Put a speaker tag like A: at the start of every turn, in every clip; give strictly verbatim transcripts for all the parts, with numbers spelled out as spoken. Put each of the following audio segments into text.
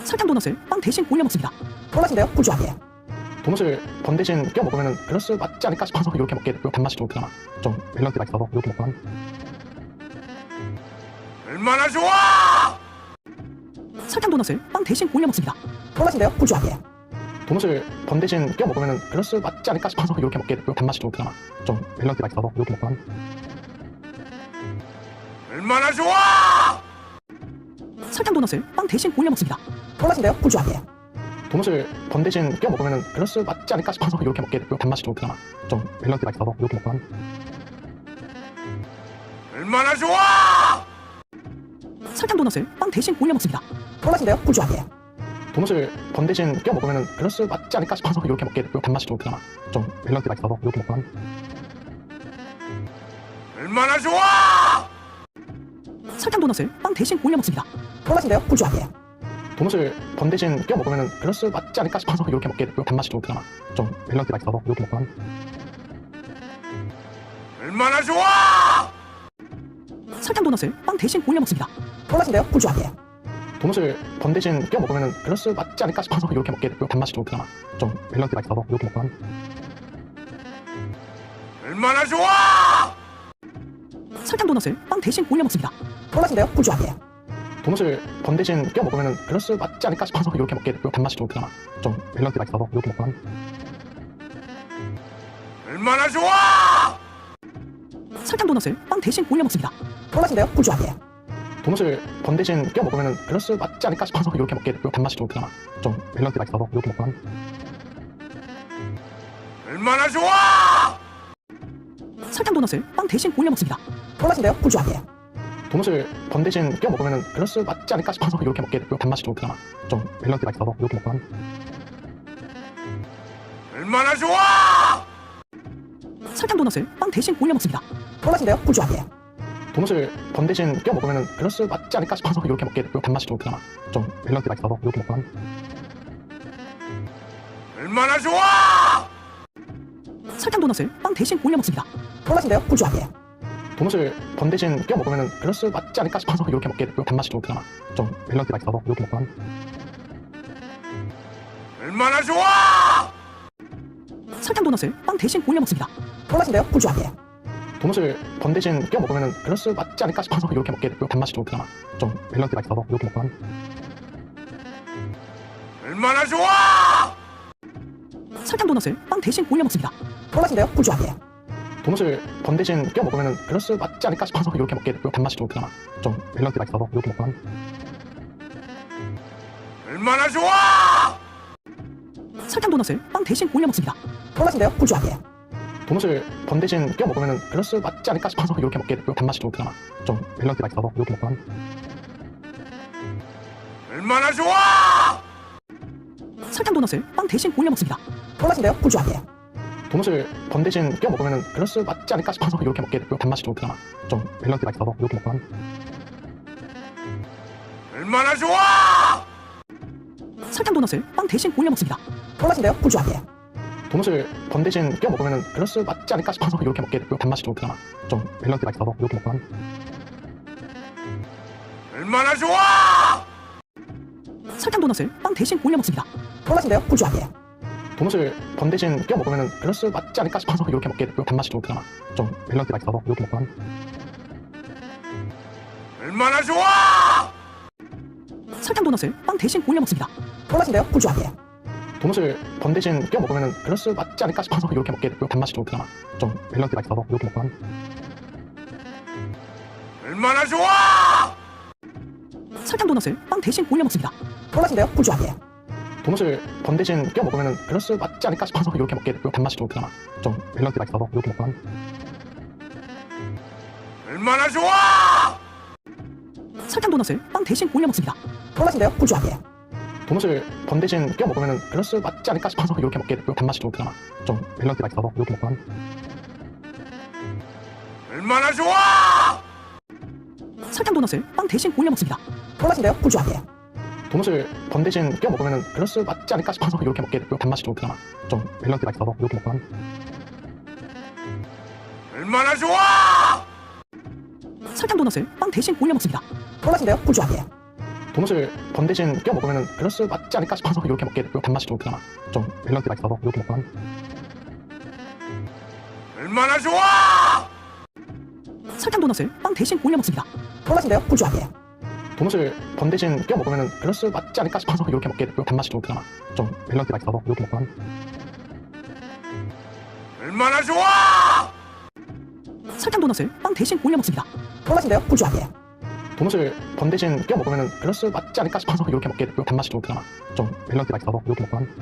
A: 설탕 도넛을 빵 대신 올려 먹습니다.
B: 꿀맛인데요? 꿀조합이에요.
C: 도넛을 번 대신 끼워 먹으면 밸런스 맞지 않을까 싶어서 이렇게 먹게 됐고요. 단맛이 좀 그나마 좀 밸런스가 있어서 이렇게 먹고 합니다.
D: 얼마나 좋아!
A: 설탕 도넛을 빵 대신 올려 먹습니다.
B: 꿀맛인데요? 꿀조합이에요.
C: 도넛을 번 대신 끼워 먹으면 밸런스 맞지 않을까 싶어서 이렇게 먹게 됐고요. 단맛이 좀 그나마 좀 밸런스가 있어서 이렇게 먹고 합니다.
D: 얼마나 좋아!
A: 설탕 도넛을 빵 대신 올려 먹습니다.
B: 꿀맛인데요? 꿀조합이에요.
C: 도넛을 번 대신 끼워 먹으면 밸런스 맞지 않을까 싶어서 이렇게 먹게 됐고요. 단맛이 좀 그나마 좀 밸런스가 있어서 이렇게 먹고 합니다.
D: 얼마나 좋아!
A: 설탕 도넛을 빵 대신 올려 먹습니다.
B: 꿀맛인데요? 꿀조합이에요.
C: 도넛을 번 대신 끼워 먹으면 밸런스 맞지 않을까 싶어서 이렇게 먹게 됐고요. 단맛이 좀 그나마 좀 밸런스가 있어서 이렇게 먹고 합니다.
D: 얼마나 좋아!
A: 설탕 도넛을 빵 대신 올려 먹습니다.
B: 꿀맛인데요? 꿀조합이에요.
C: 도넛을 번 대신 끼워 먹으면 밸런스 맞지 않을까 싶어서 이렇게 먹게 됐고요. 단맛이 좀 그나마 좀 밸런스가 있어서 이렇게 먹고 합니다.
D: 얼마나 좋아!
A: 설탕 도넛을 빵 대신 올려 먹습니다.
B: 꿀맛인데요? 꿀조합이에요.
C: 도넛을 번 대신 끼워 먹으면 밸런스 맞지 않을까 싶어서 이렇게 먹게 됐고요. 단맛이 좀 그나마 좀 밸런스가 있어서 이렇게 먹고 합니다.
D: 얼마나 좋아!
A: 설탕 도넛을 빵 대신 올려 먹습니다.
B: 꿀맛인데요? 꿀조합이에요.
C: 도넛을 번 대신 끼워 먹으면 밸런스 맞지 않을까 싶어서 이렇게 먹게 됐고요. 단맛이 좀 그나마 좀 밸런스가 있어서 이렇게 먹고 합니다.
D: 얼마나 좋아!
A: 설탕 도넛을 빵 대신 올려 먹습니다.
B: 꿀맛인데요? 꿀조합이에요.
C: 도넛을 번 대신 끼워 먹으면 밸런스 맞지 않을까 싶어서 이렇게 먹게 됐고요. 단맛이 좀 그나마 좀 밸런스가 있어서 이렇게 먹고 합니다.
D: 얼마나 좋아!
A: 설탕 도넛을 빵 대신 올려 먹습니다.
B: 꿀맛인데요? 꿀조합이에요.
C: 도넛을 번 대신 끼워 먹으면 밸런스 맞지 않을까 싶어서 이렇게 먹게 됐고요. 단맛이 좀 그나마 좀 밸런스가 있어서 이렇게 먹고 합니다.
D: 얼마나 좋아!
A: 설탕 도넛을 빵 대신 올려 먹습니다.
B: 꿀맛인데요? 꿀조합이에요.
C: 도넛을 번 대신 끼워 먹으면 밸런스 맞지 않을까 싶어서 이렇게 먹게 됐고요. 단맛이 좀 그나마 좀 밸런스가 있어서 이렇게 먹고 합니다.
D: 얼마나 좋아!
A: 설탕 도넛을 빵 대신 올려 먹습니다.
B: 꿀맛인데요? 꿀조합이에요.
C: 도넛을 번 대신 끼워 먹으면 밸런스 맞지 않을까 싶어서 이렇게 먹게 됐고요. 단맛이 좀 그나마 좀 밸런스가 있어서 이렇게 먹고 합니다.
D: 얼마나 좋아!
A: 설탕 도넛을 빵 대신 올려 먹습니다.
B: 꿀맛인데요? 꿀조합이에요.
C: 도넛을 번 대신 끼워 먹으면 밸런스 맞지 않을까 싶어서 이렇게 먹게 됐고요. 단맛이 좀 그나마 좀 밸런스가 있어서 이렇게 먹고 합니다.
D: 얼마나 좋아!
A: 설탕 도넛을 빵 대신 올려 먹습니다.
B: 꿀맛인데요? 꿀조합이에요.
C: 도넛을 번 대신 끼워 먹으면 밸런스 맞지 않을까 싶어서 이렇게 먹게 됐고요. 단맛이 좀 그나마 좀 밸런스가 있어서 이렇게 먹고 합니다.
D: 얼마나 좋아!
A: 설탕 도넛을 빵 대신 올려 먹습니다.
B: 꿀맛인데요? 꿀조합이에요.
C: 도넛을 번 대신 끼워 먹으면 밸런스 맞지 않을까 싶어서 이렇게 먹게 됐고요. 단맛이 좀 그나마 좀 밸런스가 있어서 이렇게 먹고 합니다.
D: 얼마나 좋아!
A: 설탕 도넛을 빵 대신 올려 먹습니다.
B: 꿀맛인데요? 꿀조합이에요.
C: 도넛을 번 대신 끼워 먹으면 밸런스 맞지 않을까 싶어서 이렇게 먹게 됐고요. 단맛이 좀 그나마 좀 밸런스가 있어서 이렇게 먹고 합니다.
D: 얼마나 좋아!
A: 설탕 도넛을 빵 대신 올려 먹습니다.
B: 꿀맛인데요? 꿀조합이에요.
C: 도넛을 번 대신 끼워 먹으면 밸런스 맞지 않을까 싶어서 이렇게 먹게 됐고요. 단맛이 좀 그나마 좀 밸런스가 있어서 이렇게 먹고 합니다.
D: 얼마나 좋아!
A: 설탕 도넛을 빵 대신 올려 먹습니다.
B: 꿀맛인데요? 꿀조합이에요.
C: 도넛을 번 대신 끼워 먹으면 밸런스 맞지 않을까 싶어서 이렇게 먹게 됐고요. 단맛이 좀 그나마 좀 밸런스가 있어서 이렇게 먹고 합니다.
D: 얼마나 좋아!
A: 설탕 도넛을 빵 대신 올려 먹습니다.
B: 꿀맛인데요? 꿀조합이에요.
C: 도넛을 번 대신 끼워 먹으면 밸런스 맞지 않을까 싶어서 이렇게 먹게 됐고요. 단맛이 좀 그나마 좀 밸런스가 있어서 이렇게 먹고 합니다.
D: 얼마나 좋아!
A: 설탕 도넛을 빵 대신 올려 먹습니다.
B: 꿀맛인데요? 꿀조합이에요.
C: 도넛을 번 대신 끼워 먹으면 밸런스 맞지 않을까 싶어서 이렇게 먹게 됐고요. 단맛이 좀 그나마 좀 밸런스가 있어서 이렇게 먹고 합니다.
D: 얼마나 좋아!
A: 설탕 도넛을 빵 대신 올려 먹습니다.
B: 꿀맛인데요? 꿀조합이에요.
C: 도넛을 번 대신 끼워 먹으면 밸런스 맞지 않을까 싶어서 이렇게 먹게 됐고요. 단맛이 좀 그나마 좀 밸런스가 있어서 이렇게 먹고 합니다.
D: 얼마나 좋아!
A: 설탕 도넛을 빵 대신 올려 먹습니다.
B: 꿀맛인데요? 꿀조합이에요.
C: 도넛을 번 대신 끼워 먹으면 밸런스 맞지 않을까 싶어서 이렇게 먹게 됐고요. 단맛이 좀 그나마 좀 밸런스가 있어서 이렇게 먹고 합니다.
D: 얼마나 좋아!
A: 설탕 도넛을 빵 대신 올려 먹습니다.
B: 꿀맛인데요? 꿀조합이에요.
C: 도넛을 번 대신 껴 먹으면 밸런스 맞지 않을까 싶어서 이렇게 먹게 되고요. 단맛이 좀 그나마 좀 밸런스가 있어서 이렇게 먹고 합니다.
D: 얼마나 좋아!
A: 설탕 도넛을 빵 대신 올려 먹습니다.
B: 꿀맛인데요? 꿀조합이에요.
C: 도넛을 번 대신 껴 먹으면 밸런스 맞지 않을까 싶어서 이렇게 먹게 되고요. 단맛이 좀 그나마 좀 밸런스가 있어서 이렇게 먹고 합니다.
D: 얼마나 좋아!
A: 설탕 도넛을 빵 대신 올려 먹습니다.
B: 꿀맛인데요? 꿀조합이에요.
C: 도넛을 번 대신 껴 먹으면 밸런스 맞지 않을까 싶어서 이렇게 먹게 되고요. 단맛이 좀 그나마 좀 밸런스가 있어서 이렇게 먹고 합니다.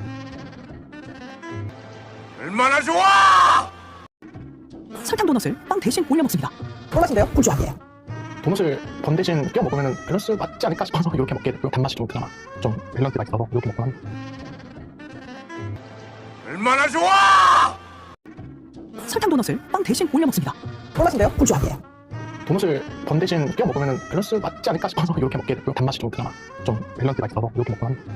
D: 얼마나 좋아!
A: 설탕 도넛을 빵 대신 올려 먹습니다.
B: 꿀맛인데요? 꿀조합이에요.
C: 도넛을 번 대신 껴 먹으면 밸런스 맞지 않을까 싶어서 이렇게 먹게 되고요. 단맛이 좀 그나마 좀 밸런스가 있어서 이렇게 먹고 합니다.
D: 얼마나 좋아!
A: 설탕 도넛을 빵 대신 올려 먹습니다.
B: 꿀맛인데요? 꿀조합이에요.
C: 도넛을 번 대신 껴 먹으면 밸런스 맞지 않을까 싶어서 이렇게 먹게 되고요. 단맛이 좀 그나마 좀 밸런스가 있어서 이렇게 먹고 합니다.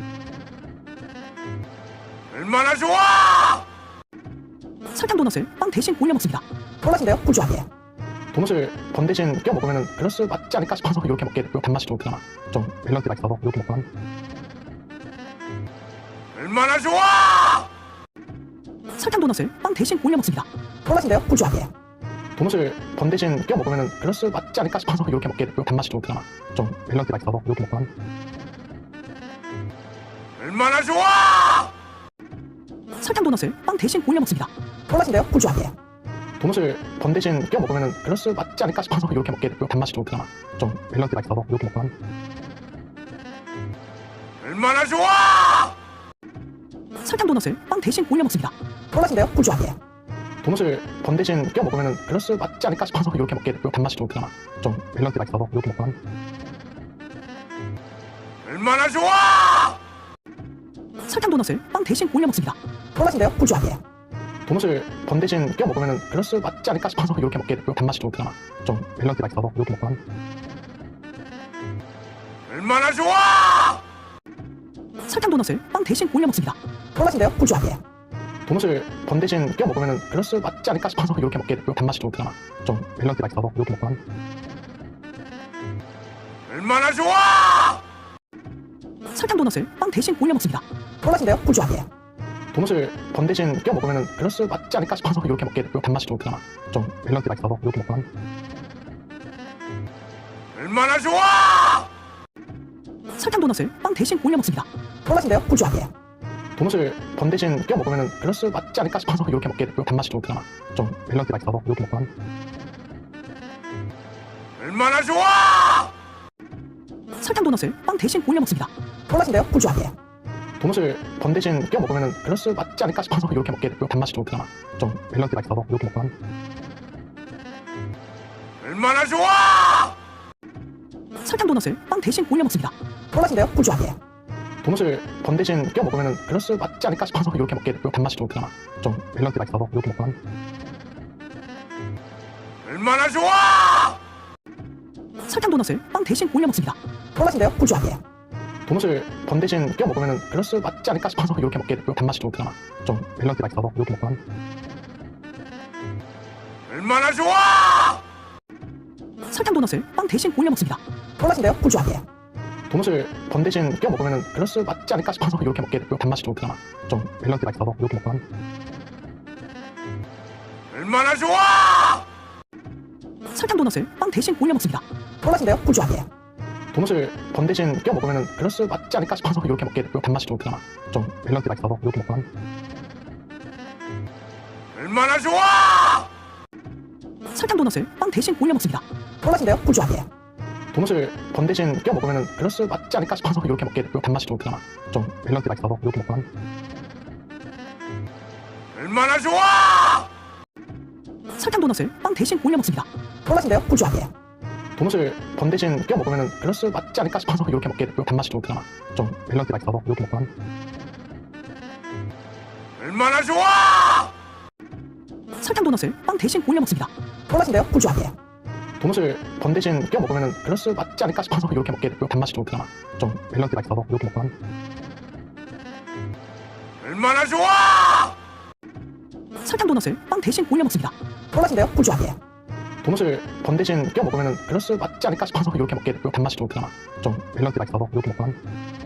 D: 얼마나 좋아!
A: 설탕 도넛을 빵 대신 올려 먹습니다.
B: 꿀맛인데요? 꿀조합이에요.
C: 도넛을 번 대신 껴 먹으면 밸런스 맞지 않을까 싶어서 이렇게 먹게 되고요. 단맛이 좀 그나마 좀 밸런스가 있어서 이렇게 먹고 합니다.
D: 얼마나 좋아!
A: 설탕 도넛을 빵 대신 올려 먹습니다.
B: 꿀맛인데요? 꿀조합이에요.
C: 도넛을 번 대신 껴 먹으면 밸런스 맞지 않을까 싶어서 이렇게 먹게 되고요. 단맛이 좀 그나마 좀 밸런스가 있어서 이렇게 먹고 합니다.
D: 얼마나 좋아!
A: 설탕 도넛을 빵 대신 올려 먹습니다.
B: 꿀맛인데요? 꿀조합이에요.
C: 도넛을 번 대신 껴 먹으면 밸런스 맞지 않을까 싶어서 이렇게 먹게 되고요. 단맛이 좀 그나마 좀 밸런스가 있어서 이렇게 먹고 합니다.
D: 얼마나 좋아!
A: 설탕 도넛을 빵 대신 올려 먹습니다.
B: 꿀맛인데요? 꿀조합이에요.
C: 도넛을 번 대신 껴 먹으면 밸런스 맞지 않을까 싶어서 이렇게 먹게 되고요. 단맛이 좀 그나마 좀 밸런스가 있어서 이렇게 먹고 합니다.
D: 얼마나 좋아!
A: 설탕 도넛을 빵 대신 올려 먹습니다.
B: 꿀맛인데요? 꿀조합이에요.
C: 도넛을 번 대신 껴 먹으면 밸런스 맞지 않을까 싶어서 이렇게 먹게 되고요. 단맛이 좀 그나마 좀 밸런스가 있어서 이렇게 먹고 합니다.
D: 얼마나 좋아!
A: 설탕 도넛을 빵 대신 올려 먹습니다.
B: 꿀맛인데요? 꿀조합이에요.
C: 도넛을 번 대신 껴 먹으면 밸런스 맞지 않을까 싶어서 이렇게 먹게 되고요. 단맛이 좀 그나마 좀 밸런스가 있어서 이렇게 먹고 합니다.
D: 얼마나 좋아!
A: 설탕 도넛을 빵 대신 올려 먹습니다.
B: 꿀맛인데요? 꿀조합이에요.
C: 도넛을 번 대신 껴 먹으면 밸런스 맞지 않을까 싶어서 이렇게 먹게 되고요. 단맛이 좀 그나마 좀 밸런스가 있어서 이렇게 먹고 합니다.
D: 얼마나 좋아!
A: 설탕 도넛을 빵 대신 올려 먹습니다.
B: 꿀맛인데요? 꿀조합이에요.
C: 도넛을 번 대신 껴 먹으면 밸런스 맞지 않을까 싶어서 이렇게 먹게 되고요. 단맛이 좀 그나마 좀 밸런스가 있어서 이렇게 먹고 합니다.
D: 얼마나 좋아!
A: 설탕 도넛을 빵 대신 올려 먹습니다.
B: 꿀맛인데요? 꿀조합이에요.
C: 도넛을 번 대신 껴 먹으면 밸런스 맞지 않을까 싶어서 이렇게 먹게 되고요. 단맛이 좀 그나마 좀 밸런스가 있어서 이렇게 먹고 합니다.
D: 얼마나 좋아!
A: 설탕 도넛을 빵 대신 올려 먹습니다.
B: 꿀맛인데요? 꿀조합이에요.
C: 도넛을 번 대신 껴 먹으면 밸런스 맞지 않을까 싶어서 이렇게 먹게 되고요. 단맛이 좀 그나마 좀 밸런스가 있어서 이렇게 먹고 합니다.
D: 얼마나 좋아!
A: 설탕 도넛을 빵 대신 올려 먹습니다.
B: 꿀맛인데요? 꿀조합이에요.
C: 도넛을 번 대신 껴 먹으면 밸런스 맞지 않을까 싶어서 이렇게 먹게 되고요. 단맛이 좀 그나마 좀 밸런스가 있어서 이렇게 먹고 합니다.
D: 얼마나 좋아!
A: 설탕 도넛을 빵 대신 올려 먹습니다.
B: 꿀맛인데요? 꿀조합이에요.
C: 도넛을 번 대신 껴 먹으면 밸런스 맞지 않을까 싶어서 이렇게 먹게 되고요. 단맛이 좀 그나마 좀 밸런스가 있어서 이렇게 먹고 합니다.
D: 얼마나 좋아!
A: 설탕 도넛을 빵 대신 올려 먹습니다.
B: 꿀맛인데요? 꿀조합이에요.
C: 도넛을 번 대신 껴 먹으면 밸런스 맞지 않을까 싶어서 이렇게 먹게 되고요. 단맛이 좀 그나마 좀 밸런스가 있어서 이렇게 먹고 합니다.
D: 얼마나 좋아!
A: 설탕 도넛을 빵 대신 올려 먹습니다.
B: 꿀맛인데요? 꿀조합이에요.
C: 도넛을 번 대신 껴 먹으면 밸런스 맞지 않을까 싶어서 이렇게 먹게 되고요. 단맛이 좀 그나마 좀 밸런스가 있어서 이렇게 먹고 합니다.
D: 얼마나 좋아!
A: 설탕 도넛을 빵 대신 올려 먹습니다.
B: 꿀맛인데요? 꿀조합이에요.
C: 도넛을 번 대신 껴 먹으면 밸런스 맞지 않을까 싶어서 이렇게 먹게 되고요. 단맛이 좀 그나마 좀 밸런스가 있어서 이렇게 먹고 합니다.
D: 얼마나 좋아!
A: 설탕 도넛을 빵 대신 올려 먹습니다.
B: 꿀맛인데요? 꿀조합이에요.
C: 도넛을 번 대신 껴 먹으면 밸런스 맞지 않을까 싶어서 이렇게 먹게 되고요. 단맛이 좀 그나마 좀 밸런스가 있어서 이렇게 먹고 합니다.
D: 얼마나 좋아!
A: 설탕 도넛을 빵 대신 올려 먹습니다.
B: 꿀맛인데요? 꿀조합이에요.
C: 도넛을 번 대신 껴 먹으면 밸런스 맞지 않을까 싶어서 이렇게 먹게 되고요. 단맛이 좀 그나마 좀 밸런스가 있어서 이렇게 먹고 합니다.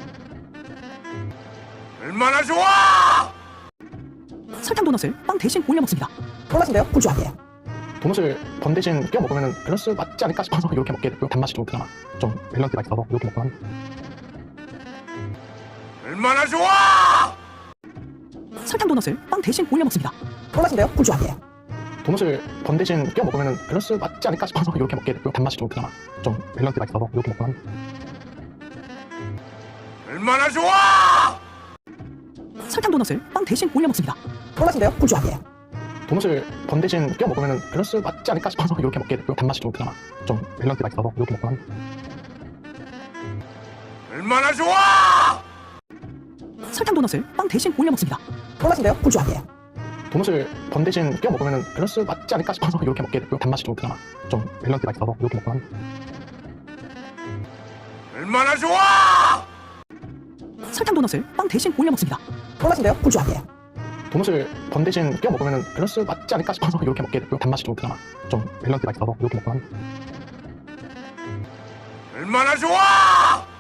D: 얼마나 좋아!
A: 설탕 도넛을 빵 대신 올려 먹습니다.
B: 꿀맛인데요? 꿀조합이에요.
C: 도넛을 번 대신 껴 먹으면 밸런스 맞지 않을까 싶어서 이렇게 먹게 되고요. 단맛이 좀 그나마 좀 밸런스가 있어서 이렇게 먹고 합니다.
D: 얼마나 좋아!
A: 설탕 도넛을 빵 대신 올려 먹습니다.
B: 꿀맛인데요? 꿀조합이에요.
C: 도넛을 번 대신 껴 먹으면 밸런스 맞지 않을까 싶어서 이렇게 먹게 되고요. 단맛이 좀 그나마 좀 밸런스가 있어서 이렇게 먹고 합니다.
D: 얼마나 좋아!
A: 설탕 도넛을 빵 대신 올려 먹습니다.
B: 꿀맛인데요? 꿀조합이에요.
C: 도넛을 번 대신 껴 먹으면 밸런스 맞지 않을까 싶어서 이렇게 먹게 되고요. 단맛이 좀 그나마 좀 밸런스가 있어서 이렇게 먹고 합니다.
D: 얼마나 좋아!
A: 설탕 도넛을 빵 대신 올려 먹습니다.
B: 꿀맛인데요? 꿀조합이에요.
C: 도넛을 번 대신 껴 먹으면 밸런스 맞지 않을까 싶어서 이렇게 먹게 되고요. 단맛이 좀 그나마 좀 밸런스가 있어서 이렇게 먹고 합니다.
D: 얼마나 좋아!
A: 설탕 도넛을 빵 대신 올려 먹습니다.
B: 꿀맛인데요? 꿀조합이에요.
C: 도넛을 번 대신 껴 먹으면 밸런스 맞지 않을까 싶어서 이렇게 먹게 되고요. 단맛이 좀 그나마 좀 밸런스가 있어서 이렇게 먹고 합니다.
D: 얼마나 좋아!